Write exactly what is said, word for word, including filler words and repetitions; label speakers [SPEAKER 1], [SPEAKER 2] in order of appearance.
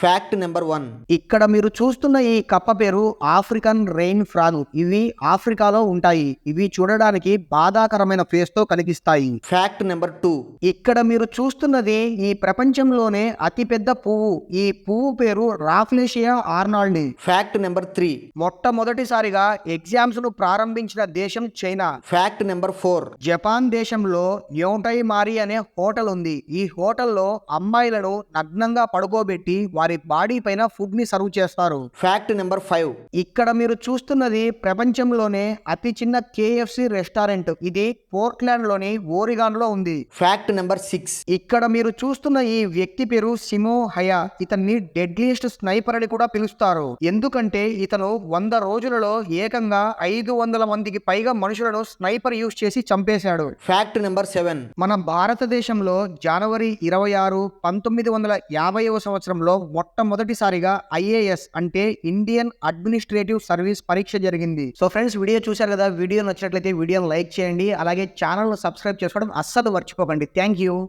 [SPEAKER 1] Fact number one.
[SPEAKER 2] ఇక్కడ మీరు చూస్తున్న ఈ కప్ప పేరు ఆఫ్రికన్ రెయిన్ ఫ్రాగ్. ఇవి ఆఫ్రికాలో ఉంటాయి. ఇవి చూడడానికి బాధాకరమైన ఫేస్ తో కనిపిస్తాయి.
[SPEAKER 1] Fact number two.
[SPEAKER 2] ఇక్కడ మీరు చూస్తున్నది ఈ ప్రపంచంలోనే అతిపెద్ద పువ్వు. ఈ పువ్వు పేరు Rafflesia Arnold.
[SPEAKER 1] Fact number three.
[SPEAKER 2] మొట్టమొదటిసారిగా ఎగ్జామ్స్ ను ప్రారంభించిన దేశం China.
[SPEAKER 1] Fact number four.
[SPEAKER 2] Japan దేశంలో యోటై మారి అనే హోటల్ ఉంది. ఈ హోటల్లో అమ్మాయిలను నగ్నంగా పడుకోబెట్టి వారి బాడీ పైన ఫుడ్ ని సర్వ్ చేస్తారు.
[SPEAKER 1] Fact number five.
[SPEAKER 2] ఇక్కడ మీరు చూస్తున్నది ప్రపంచంలోనే అతి చిన్న కేఎఫ్సి రెస్టారెంట్. ఇది పోర్ట్లాండ్ లోని ఓరిగాన్ లో ఉంది.
[SPEAKER 1] Fact number six.
[SPEAKER 2] ఇక్కడ మీరు చూస్తున్న ఈ వ్యక్తి పేరు సిమో హయా. ఇతన్ని డెడ్లీస్ట్ స్నైపర్ అని కూడా పిలుస్తారు. ఎందుకంటే ఇతను వంద రోజులలో ఏకంగా ఐదు వందల మందికి పైగా మనుషులను స్నైపర్ యూజ్ చేసి చంపేశాడు.
[SPEAKER 1] Fact number seven.
[SPEAKER 2] మన భారతదేశంలో జనవరి ఇరవై ఆరు పంతొమ్మిది వందల యాభైవ సంవత్సరంలో మొట్టమొదటిసారిగా ఐఏఎస్ అంటే ఇండియన్ అడ్మినిస్ట్రేటివ్ సర్వీస్ పరీక్ష జరిగింది. సో ఫ్రెండ్స్, వీడియో చూశారు కదా. వీడియో నచ్చినట్లయితే వీడియోని లైక్ చేయండి. అలాగే ఛానల్ సబ్స్క్రైబ్ చేసుకోవడం అస్సలు మర్చిపోకండి. Thank you.